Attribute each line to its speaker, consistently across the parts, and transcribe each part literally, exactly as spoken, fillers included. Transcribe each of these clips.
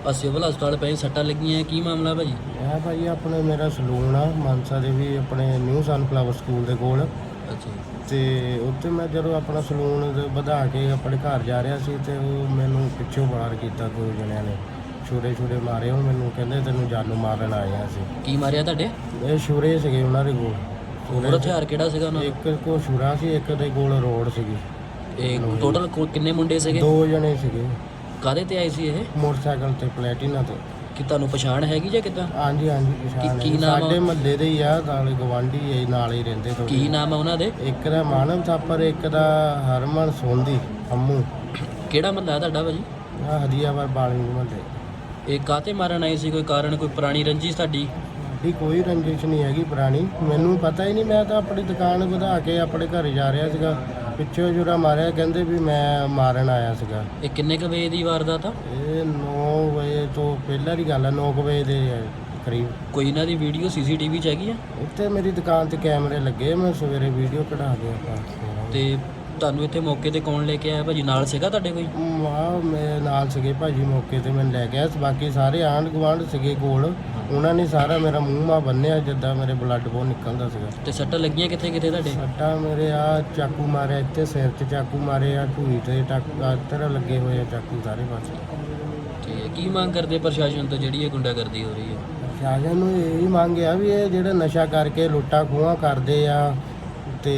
Speaker 1: ਆ ਸਿਵਲ ਹਸਪਤਾਲ ਪਏ ਸੱਟਾਂ ਲੱਗੀਆਂ, ਕੀ ਮਾਮਲਾ ਭਾਜੀ?
Speaker 2: ਇਹ ਭਾਈ ਆਪਣੇ ਮੇਰਾ ਸਲੂਨ ਆ ਮਾਨਸਾ ਦੇ ਵੀ ਆਪਣੇ ਨਿਊ ਸਨਫਲਾਵਰ ਸਕੂਲ ਦੇ ਕੋਲ।
Speaker 1: ਅੱਛਾ
Speaker 2: ਤੇ ਉੱਥੇ ਮੈਂ ਜਦੋਂ ਆਪਣਾ ਸਲੂਨ ਵਧਾ ਕੇ ਆਪਣੇ ਘਰ ਜਾ ਰਿਹਾ ਸੀ ਤੇ ਉਹ ਮੈਨੂੰ ਪਿੱਛੋਂ ਵਾਰ ਕੀਤਾ ਦੋ ਜਣਿਆਂ ਨੇ, ਛੁਰੇ ਛੁਰੇ ਮਾਰੇ। ਉਹ ਮੈਨੂੰ ਕਹਿੰਦੇ ਤੈਨੂੰ ਜਾਨੂ ਮਾਰਨ ਆਏ ਆ ਅਸੀਂ।
Speaker 1: ਕੀ ਮਾਰਿਆ ਤੁਹਾਡੇ?
Speaker 2: ਇਹ ਛੁਰੇ ਸੀਗੇ ਉਹਨਾਂ ਦੇ ਕੋਲ।
Speaker 1: ਹੋਰ ਹਥਿਆਰ ਕਿਹੜਾ ਸੀਗਾ ਉਹਨਾਂ ਦਾ?
Speaker 2: ਇੱਕ ਕੋਲ ਛੁਰਾ ਸੀ, ਇੱਕ ਦੇ ਕੋਲ ਰੋਡ ਸੀਗੀ।
Speaker 1: ਇਹ ਟੋਟਲ ਕਿੰਨੇ ਮੁੰਡੇ ਸੀਗੇ?
Speaker 2: ਦੋ ਜਣੇ ਸੀਗੇ।
Speaker 1: ਕਾਹਦੇ ਤੇ ਆਏ ਸੀ ਇਹ?
Speaker 2: ਮੋਟਰਸਾਈਕਲ ਤੇ ਪਲੈਟੀਨਾ ਤੇ।
Speaker 1: ਕਿ ਤੁਹਾਨੂੰ ਪਛਾਣ ਹੈਗੀ ਜਾਂ ਕਿੱਦਾਂ?
Speaker 2: ਹਾਂਜੀ ਹਾਂਜੀ ਪਛਾਣ
Speaker 1: ਕੀ
Speaker 2: ਹੈ।
Speaker 1: ਨਾਮ ਆ?
Speaker 2: ਸਾਡੇ ਮਹੱਲੇ ਦੇ ਹੀ ਆ, ਨਾਲ ਗਵਾਂਢੀ ਹੈ, ਨਾਲ ਹੀ ਰਹਿੰਦੇ ਥੋੜ੍ਹੇ।
Speaker 1: ਕੀ ਨਾਮ ਆ ਉਹਨਾਂ ਦੇ?
Speaker 2: ਇੱਕ ਦਾ ਮਾਨਵ ਥਾਪਰ, ਇੱਕ ਦਾ ਹਰਮਨ ਸੋਂਦੀ ਅੰਮੂ।
Speaker 1: ਕਿਹੜਾ ਮਹੱਲਾ ਤੁਹਾਡਾ ਭਾਜੀ?
Speaker 2: ਆ ਹਦੀਆਵਾਰ ਬਾਲੀ ਮਹੱਲੇ।
Speaker 1: ਇਹ ਕਾਹਤੇ ਮਾਰਨ ਆਏ ਸੀ? ਕੋਈ ਕਾਰਨ, ਕੋਈ ਪੁਰਾਣੀ ਰੰਜਿਸ਼ ਤੁਹਾਡੀ?
Speaker 2: ਸਾਡੀ ਕੋਈ ਰੰਜਿਸ਼ ਨਹੀਂ ਹੈਗੀ ਪੁਰਾਣੀ, ਮੈਨੂੰ ਪਤਾ ਹੀ ਨਹੀਂ। ਮੈਂ ਤਾਂ ਆਪਣੀ ਦੁਕਾਨ ਵਧਾ ਕੇ ਆਪਣੇ ਘਰ ਜਾ ਰਿਹਾ ਸੀਗਾ, ਪਿੱਛੋਂ ਜੁਰਾ ਮਾਰਿਆ, ਕਹਿੰਦੇ ਵੀ ਮੈਂ ਮਾਰਨ ਆਇਆ ਸੀਗਾ।
Speaker 1: ਇਹ ਕਿੰਨੇ ਕੁ ਵਜੇ ਦੀ ਵਾਰਦਾਤ ਆ?
Speaker 2: ਇਹ ਨੌ ਵਜੇ ਤੋਂ ਪਹਿਲਾਂ ਦੀ ਗੱਲ ਆ, ਨੌ ਕੁ ਵਜੇ ਦੇ ਕਰੀਬ।
Speaker 1: ਕੋਈ ਇਹਨਾਂ ਦੀ ਵੀਡੀਓ ਸੀਸੀਟੀਵੀ 'ਚ ਹੈਗੀ ਆ?
Speaker 2: ਉੱਥੇ ਮੇਰੀ ਦੁਕਾਨ ਤੇ ਕੈਮਰੇ ਲੱਗੇ, ਮੈਂ ਸਵੇਰੇ ਵੀਡੀਓ ਕਢਾ ਕੇ ਆਪਾਂ।
Speaker 1: ਤੇ ਤੁਹਾਨੂੰ ਇੱਥੇ ਮੌਕੇ ਤੇ ਕੌਣ ਲੈ ਕੇ ਆਇਆ ਭਾਜੀ? ਨਾਲ ਸੀਗਾ ਤੁਹਾਡੇ ਕੋਈ?
Speaker 2: ਵਾਹ ਮੇਰੇ ਨਾਲ ਸੀਗੇ ਭਾਜੀ, ਮੌਕੇ ਤੇ ਮੈਨੂੰ ਲੈ ਗਿਆ। ਬਾਕੀ ਸਾਰੇ ਆਂਢ ਗੁਆਂਢ ਸੀਗੇ ਕੋਲ, ਉਹਨਾਂ ਨੇ ਸਾਰਾ ਮੇਰਾ ਮੂੰਹ ਮਾ ਬੰਨਿਆ ਜਿੱਦਾਂ ਮੇਰੇ ਬਲੱਡ ਬਹੁਤ ਨਿਕਲਦਾ ਸੀਗਾ।
Speaker 1: ਤੇ ਸੱਟਾਂ ਲੱਗੀਆਂ ਕਿੱਥੇ ਕਿੱਥੇ ਤੁਹਾਡੇ?
Speaker 2: ਸੱਟਾਂ ਮੇਰੇ ਆ ਚਾਕੂ ਮਾਰਿਆ, ਇੱਥੇ ਸਿਰ 'ਚ ਚਾਕੂ ਮਾਰੇ ਆ, ਢੂਈ ਤੇ ਟੱਕਰ ਲੱਗੇ ਹੋਏ ਆ ਚਾਕੂ ਸਾਰੇ ਪਾਸੇ।
Speaker 1: ਠੀਕ ਹੈ, ਕੀ ਮੰਗ ਕਰਦੇ ਪ੍ਰਸ਼ਾਸਨ ਤੋਂ ਜਿਹੜੀ ਇਹ ਗੁੰਡਾਗਰਦੀ ਹੋ ਰਹੀ ਹੈ?
Speaker 2: ਪ੍ਰਸ਼ਾਸਨ ਨੂੰ ਇਹੀ ਮੰਗ ਆ ਵੀ ਇਹ ਜਿਹੜੇ ਨਸ਼ਾ ਕਰਕੇ ਲੁੱਟਾਂ ਖੋਹਾਂ ਕਰਦੇ ਆ ਤੇ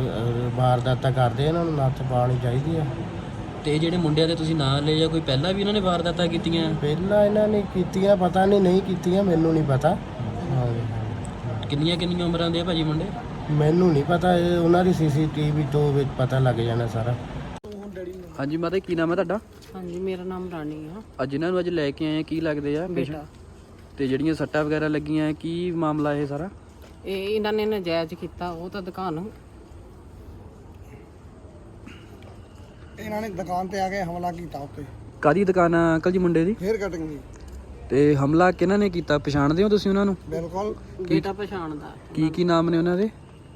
Speaker 2: ਵਾਰਦਾਤਾਂ ਕਰਦੇ, ਇਹਨਾਂ ਨੂੰ ਨੱਥ ਪਾਉਣੀ ਚਾਹੀਦੀ ਆ।
Speaker 1: ਤੇ ਜਿਹੜੇ ਮੁੰਡਿਆਂ ਦੇ ਤੁਸੀਂ ਨਾਂ ਲਏ, ਜਾਂ ਕੋਈ ਪਹਿਲਾਂ ਵੀ ਇਹਨਾਂ ਨੇ ਵਾਰਦਾਤਾਂ ਕੀਤੀਆਂ?
Speaker 2: ਪਹਿਲਾਂ ਇਹਨਾਂ ਨੇ ਕੀਤੀਆਂ, ਪਤਾ ਨਹੀਂ ਨਹੀਂ ਕੀਤੀਆਂ, ਮੈਨੂੰ ਨਹੀਂ ਪਤਾ। ਹਾਂ
Speaker 1: ਕਿੰਨੀਆਂ ਕਿੰਨੀਆਂ ਉਮਰਾਂ ਦੇ ਆ ਭਾਜੀ ਮੁੰਡੇ?
Speaker 2: ਮੈਨੂੰ ਨਹੀਂ ਪਤਾ, ਇਹ ਉਹਨਾਂ ਦੀ ਸੀਸੀਟੀਵੀ ਤੋਂ ਵਿੱਚ ਪਤਾ ਲੱਗ ਜਾਣਾ ਸਾਰਾ।
Speaker 1: ਹਾਂਜੀ ਮਾਤਾ, ਕੀ ਨਾਮ ਹੈ ਤੁਹਾਡਾ?
Speaker 3: ਹਾਂਜੀ, ਮੇਰਾ ਨਾਮ ਰਾਣੀ ਆ।
Speaker 1: ਅੱਜ ਇਹਨਾਂ ਨੂੰ ਅੱਜ ਲੈ ਕੇ ਆਏ, ਕੀ ਲੱਗਦੇ ਆ?
Speaker 3: ਬੇਟਾ।
Speaker 1: ਤੇ ਜਿਹੜੀਆਂ ਸੱਟਾਂ ਵਗੈਰਾ ਲੱਗੀਆਂ, ਕੀ ਮਾਮਲਾ ਇਹ ਸਾਰਾ?
Speaker 3: ਇਹ ਇਹਨਾਂ ਨੇ ਨਜਾਇਜ਼ ਕੀਤਾ, ਉਹ ਤਾਂ ਦੁਕਾਨ
Speaker 4: ਇਹਨਾਂ ਨੇ ਦੁਕਾਨ ਤੇ ਆ ਕੇ ਹਮਲਾ ਕੀਤਾ ਉੱਤੇ।
Speaker 1: ਕਾਦੀ ਦੁਕਾਨ ਆ ਅੰਕਲ ਜੀ ਮੁੰਡੇ ਦੀ?
Speaker 4: ਫੇਰ ਕਟਿੰਗ ਦੀ।
Speaker 1: ਤੇ ਹਮਲਾ ਕਿਹਨਾਂ ਨੇ ਕੀਤਾ, ਪਛਾਣਦੇ ਹੋ ਤੁਸੀਂ ਉਹਨਾਂ ਨੂੰ?
Speaker 4: ਬਿਲਕੁਲ।
Speaker 3: ਬੇਟਾ ਪਛਾਣਦਾ।
Speaker 1: ਕੀ ਕੀ ਨਾਮ ਨੇ ਉਹਨਾਂ ਦੇ?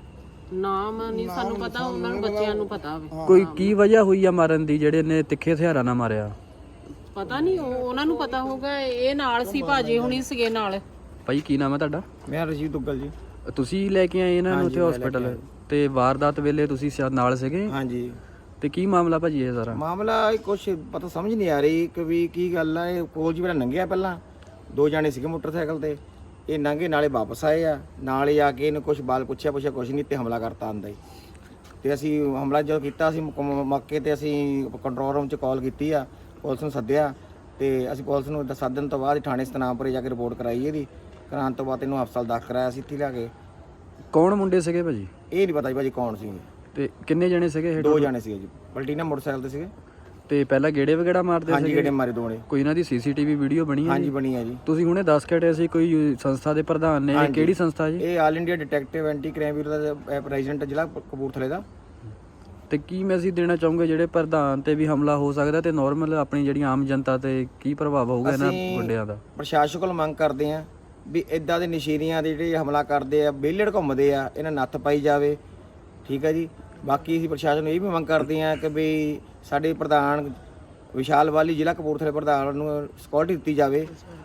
Speaker 3: ਨਾਮ ਨਹੀਂ ਸਾਨੂੰ ਪਤਾ, ਉਹਨਾਂ ਨੂੰ ਬੱਚਿਆਂ ਨੂੰ ਪਤਾ ਹੋਵੇ।
Speaker 1: ਕੋਈ ਕੀ ਵਜ੍ਹਾ ਹੋਈ ਆ ਮਾਰਨ ਦੀ, ਜਿਹੜੇ ਨੇ ਤਿੱਖੇ ਹਥਿਆਰਾਂ ਨਾਲ ਮਾਰਿਆ?
Speaker 3: ਪਤਾ ਨਹੀਂ, ਉਹ ਉਹਨਾਂ ਨੂੰ ਪਤਾ ਹੋਊਗਾ। ਇਹ ਨਾਲ ਸੀ, ਭਾਜੀ ਹੁਣੀ ਸੀਗੇ ਨਾਲ।
Speaker 1: ਭਾਈ ਕੀ ਨਾਮ ਹੈ ਤੁਹਾਡਾ?
Speaker 2: ਮੈਂ ਰਜੀਵ ਦੁੱਗਲ ਜੀ।
Speaker 1: ਤੁਸੀਂ ਲੈ ਕੇ ਆਏ ਇਹਨਾਂ ਨੂੰ ਉੱਥੇ ਹਸਪੀਟਲ, ਤੇ ਵਾਰਦਾਤ ਵੇਲੇ ਤੁਸੀਂ ਸ਼ਾਇਦ ਨਾਲ ਸੀਗੇ?
Speaker 2: ਹਾਂਜੀ।
Speaker 1: ਤੇ ਕੀ ਮਾਮਲਾ ਭਾਜੀ ਇਹ ਸਾਰਾ?
Speaker 2: ਮਾਮਲਾ ਕੁਛ ਪਤਾ ਸਮਝ ਨਹੀਂ ਆ ਰਹੀ ਕਿ ਵੀ ਕੀ ਗੱਲ ਆ। ਇਹ ਕੋਲ ਜੀ ਮੇਰਾ ਲੰਘਿਆ, ਪਹਿਲਾਂ ਦੋ ਜਾਣੇ ਸੀਗੇ ਮੋਟਰਸਾਈਕਲ ਤੇ, ਇਹ ਲੰਘੇ ਨਾਲੇ ਵਾਪਸ ਆਏ ਆ, ਨਾਲ ਹੀ ਆ ਕੇ ਇਹਨੂੰ ਕੁਛ ਬਾਲ ਪੁੱਛਿਆ ਪੁੱਛਿਆ ਕੁਛ ਨਹੀਂ ਤੇ ਹਮਲਾ ਕਰਤਾ ਆਂਦਾ ਹੀ। ਤੇ ਅਸੀਂ ਹਮਲਾ ਜਦੋਂ ਕੀਤਾ, ਅਸੀਂ ਮੌਕੇ ਤੇ ਅਸੀਂ ਕੰਟਰੋਲ ਰੂਮ 'ਚ ਕਾਲ ਕੀਤੀ ਆ, ਪੁਲਿਸ ਨੂੰ ਸੱਦਿਆ, ਤੇ ਅਸੀਂ ਪੁਲਿਸ ਨੂੰ ਸੱਦਣ ਤੋਂ ਬਾਅਦ ਥਾਣੇ ਸਤਨਾਮਪੁਰੇ ਜਾ ਕੇ ਰਿਪੋਰਟ ਕਰਾਈ ਇਹਦੀ। ਕਰਾਉਣ ਤੋਂ ਬਾਅਦ ਇਹਨੂੰ ਹਸਪਤਾਲ ਦਾਖਲ ਕਰਾਇਆ ਸੀ ਇੱਥੇ ਲਿਆ ਕੇ।
Speaker 1: ਕੌਣ ਮੁੰਡੇ ਸੀਗੇ ਭਾਜੀ?
Speaker 2: ਇਹ ਨਹੀਂ ਪਤਾ ਜੀ ਭਾਜੀ ਕੌਣ ਸੀ।
Speaker 1: ਤੇ ਕਿੰਨੇ ਜਣੇ ਸੀਗੇ ਇਹ?
Speaker 2: ਦੋ ਜਾਣੇ ਸੀਗੇ ਜੀ, ਪਲਟੀਨਾ ਮੋਟਰਸਾਈਕਲ ਤੇ ਸੀਗੇ।
Speaker 1: ਤੇ ਪਹਿਲਾਂ ਗੇੜੇ ਵਗੈਰਾ ਮਾਰਦੇ
Speaker 2: ਹਾਂਜੀ,
Speaker 1: ਸੀਗੇ?
Speaker 2: ਗੇੜੇ ਮਾਰੇ ਦੋਨੇ।
Speaker 1: ਕੋਈ ਇਹਨਾਂ ਦੀ ਸੀਸੀਟੀਵੀ ਵੀਡੀਓ ਬਣੀ ਹੈ?
Speaker 2: ਹਾਂਜੀ ਬਣੀ ਹੈ ਜੀ।
Speaker 1: ਤੁਸੀਂ ਹੁਣੇ ਦੱਸ ਕੇ ਹਟੇ ਸੀ ਕੋਈ ਸੰਸਥਾ ਦੇ ਪ੍ਰਧਾਨ ਨੇ, ਇਹ ਕਿਹੜੀ ਸੰਸਥਾ ਜੀ?
Speaker 2: ਇਹ all India detective anti crime bureau ਦਾ ਪ੍ਰੈਜ਼ੀਡੈਂਟ ਜ਼ਿਲ੍ਹਾ ਕਪੂਰਥਲੇ ਦਾ।
Speaker 1: ਤੇ ਕੀ ਮੈਸੇਜ ਦੇਣਾ ਚਾਹੋਗੇ, ਜਿਹੜੇ ਪ੍ਰਧਾਨ ਤੇ ਵੀ ਹਮਲਾ ਹੋ ਸਕਦਾ ਤੇ ਨਾਰਮਲ ਆਪਣੀ ਜਿਹੜੀ ਆਮ ਜਨਤਾ ਤੇ ਕੀ ਪ੍ਰਭਾਵ ਹੋਊਗਾ ਇਹਨਾਂ ਗੁੰਡਿਆਂ ਦਾ?
Speaker 2: ਪ੍ਰਸ਼ਾਸਨ ਕੋਲ ਮੰਗ ਕਰਦੇ ਆ ਵੀ ਇਦਾਂ ਦੇ ਨਸ਼ੀਰੀਆਂ ਦੇ ਜਿਹੜੇ ਹਮਲਾ ਕਰਦੇ ਆ, ਵਿਹਲੜ ਘੁੰਮਦੇ ਆ, ਇਹਨਾਂ ਨੱਥ ਪਾਈ ਜਾਵੇ। ਠੀਕ ਹੈ ਜੀ। ਬਾਕੀ ਅਸੀਂ ਪ੍ਰਸ਼ਾਸਨ ਨੂੰ ਇਹ ਵੀ ਮੰਗ ਕਰਦੇ ਆ ਕਿ ਵੀ ਸਾਡੇ ਪ੍ਰਧਾਨ ਵਿਸ਼ਾਲ ਵਾਲੀ ਜ਼ਿਲ੍ਹਾ ਕਪੂਰਥਲੇ ਪ੍ਰਧਾਨ ਨੂੰ ਸਿਕਿਉਰਿਟੀ ਦਿੱਤੀ ਜਾਵੇ।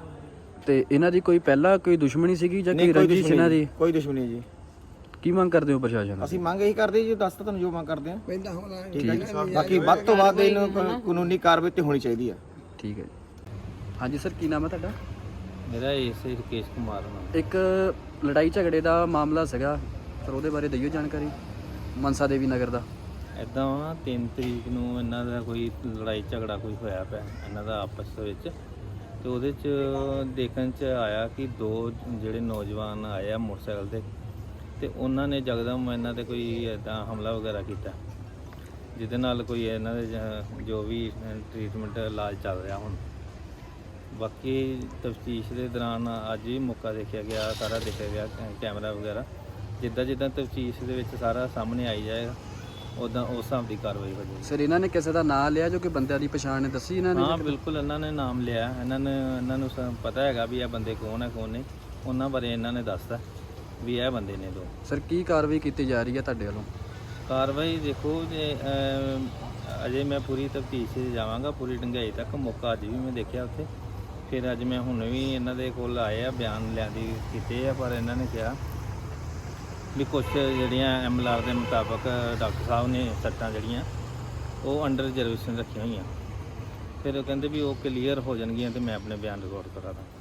Speaker 1: ਤੇ ਇਹਨਾਂ ਦੀ ਕੋਈ ਪਹਿਲਾਂ ਕੋਈ ਦੁਸ਼ਮਣੀ ਸੀਗੀ ਜਾਂ ਕੋਈ ਰੰਜਿਸ਼ ਇਹਨਾਂ ਦੀ?
Speaker 2: ਕੋਈ ਦੁਸ਼ਮਣੀ ਜੀ।
Speaker 1: ਕੀ ਮੰਗ ਕਰਦੇ ਹੋ ਪ੍ਰਸ਼ਾਸਨ?
Speaker 2: ਅਸੀਂ ਮੰਗ ਇਹੀ ਕਰਦੇ ਜੀ, ਦੱਸ ਤਾਂ ਤੁਹਾਨੂੰ ਜੋ ਮੰਗ ਕਰਦੇ ਆ।
Speaker 4: ਪਹਿਲਾਂ ਹਮਲਾ
Speaker 2: ਠੀਕ ਹੈ ਜੀ। ਬਾਕੀ ਵੱਧ ਤੋਂ ਵੱਧ ਇਹਨੂੰ ਕਾਨੂੰਨੀ ਕਾਰਵਾਈ ਤੇ ਹੋਣੀ ਚਾਹੀਦੀ ਆ।
Speaker 1: ਠੀਕ ਹੈ ਜੀ। ਹਾਂਜੀ ਸਰ, ਕੀ ਨਾਮ ਹੈ ਤੁਹਾਡਾ?
Speaker 5: ਮੇਰਾ ਇਸ ਰਕੇਸ਼ ਕੁਮਾਰ ਨਾਮ।
Speaker 1: ਇੱਕ ਲੜਾਈ ਝਗੜੇ ਦਾ ਮਾਮਲਾ ਸੀਗਾ ਸਰ, ਉਹਦੇ ਬਾਰੇ ਦਿਓ ਜਾਣਕਾਰੀ। ਮਨਸਾ ਦੇਵੀ ਨਗਰ ਦਾ
Speaker 5: ਇੱਦਾਂ ਵਾ, ਤਿੰਨ ਤਰੀਕ ਨੂੰ ਇਹਨਾਂ ਦਾ ਕੋਈ ਲੜਾਈ ਝਗੜਾ ਕੋਈ ਹੋਇਆ ਪਿਆ ਇਹਨਾਂ ਦਾ ਆਪਸ ਦੇ ਵਿੱਚ, ਤੇ ਉਹਦੇ 'ਚ ਦੇਖਣ 'ਚ ਆਇਆ ਕਿ ਦੋ ਜਿਹੜੇ ਨੌਜਵਾਨ ਆਏ ਆ ਮੋਟਰਸਾਈਕਲ 'ਤੇ, ਤੇ ਉਹਨਾਂ ਨੇ ਯਕਦਮ ਇਹਨਾਂ 'ਤੇ ਕੋਈ ਇੱਦਾਂ ਹਮਲਾ ਵਗੈਰਾ ਕੀਤਾ, ਜਿਹਦੇ ਨਾਲ ਕੋਈ ਇਹਨਾਂ ਦੇ ਜ- ਜੋ ਵੀ ਟਰੀਟਮੈਂਟ ਇਲਾਜ ਚੱਲ ਰਿਹਾ ਹੁਣ। ਬਾਕੀ ਤਫਤੀਸ਼ ਦੇ ਦੌਰਾਨ ਅੱਜ ਵੀ ਮੌਕਾ ਦੇਖਿਆ ਗਿਆ, ਸਾਰਾ ਦੇਖਿਆ ਗਿਆ ਕੈਮਰਾ ਵਗੈਰਾ, ਜਿੱਦਾਂ ਜਿੱਦਾਂ ਤਫਤੀਸ਼ ਦੇ ਵਿੱਚ ਸਾਰਾ ਸਾਹਮਣੇ ਆਈ ਜਾਏਗਾ ਉੱਦਾਂ ਉਸ ਹਿਸਾਬ ਦੀ ਕਾਰਵਾਈ ਹੋ ਜਾਏਗੀ।
Speaker 1: ਸਰ ਇਹਨਾਂ ਨੇ ਕਿਸੇ ਦਾ ਨਾਮ ਲਿਆ ਜੋ ਕਿ ਬੰਦਿਆਂ ਦੀ ਪਛਾਣ ਨੇ ਦੱਸੀ ਇਹਨਾਂ ਨੇ?
Speaker 5: ਹਾਂ ਬਿਲਕੁਲ, ਇਹਨਾਂ ਨੇ ਨਾਮ ਲਿਆ, ਇਹਨਾਂ ਨੇ ਇਹਨਾਂ ਨੂੰ ਸ- ਪਤਾ ਹੈਗਾ ਵੀ ਇਹ ਬੰਦੇ ਕੌਣ ਹੈ ਕੌਣ ਨਹੀਂ, ਉਹਨਾਂ ਬਾਰੇ ਇਹਨਾਂ ਨੇ ਦੱਸਤਾ ਵੀ ਇਹ ਬੰਦੇ ਨੇ ਦੋ।
Speaker 1: ਸਰ ਕੀ ਕਾਰਵਾਈ ਕੀਤੀ ਜਾ ਰਹੀ ਹੈ ਤੁਹਾਡੇ ਵੱਲੋਂ?
Speaker 5: ਕਾਰਵਾਈ ਦੇਖੋ ਜੇ ਅਜੇ ਮੈਂ ਪੂਰੀ ਤਫਤੀਸ਼ 'ਚ ਜਾਵਾਂਗਾ, ਪੂਰੀ ਡੂੰਘਾਈ ਤੱਕ। ਮੌਕਾ ਅੱਜ ਵੀ ਮੈਂ ਦੇਖਿਆ ਉੱਥੇ, ਫਿਰ ਅੱਜ ਮੈਂ ਹੁਣ ਵੀ ਇਹਨਾਂ ਦੇ ਕੋਲ ਆਏ ਆ, ਬਿਆਨ ਲਿਆਂਦੀ ਕੀਤੇ ਆ, ਪਰ ਇਹਨਾਂ ਨੇ ਕਿਹਾ ਵੀ ਕੁਛ ਜਿਹੜੀਆਂ ਐਮ ਐਲ ਆਰ ਦੇ ਮੁਤਾਬਕ ਡਾਕਟਰ ਸਾਹਿਬ ਨੇ ਸੱਟਾਂ ਜਿਹੜੀਆਂ ਉਹ ਅੰਡਰ ਰਿਜ਼ਰਵੇਸ਼ਨ ਰੱਖੀਆਂ ਹੋਈਆਂ। ਫਿਰ ਉਹ ਕਹਿੰਦੇ ਵੀ ਉਹ ਕਲੀਅਰ ਹੋ ਜਾਣਗੀਆਂ ਤੇ ਮੈਂ ਆਪਣੇ ਬਿਆਨ ਰਿਕਾਰਡ ਕਰਾ ਦਾਂ।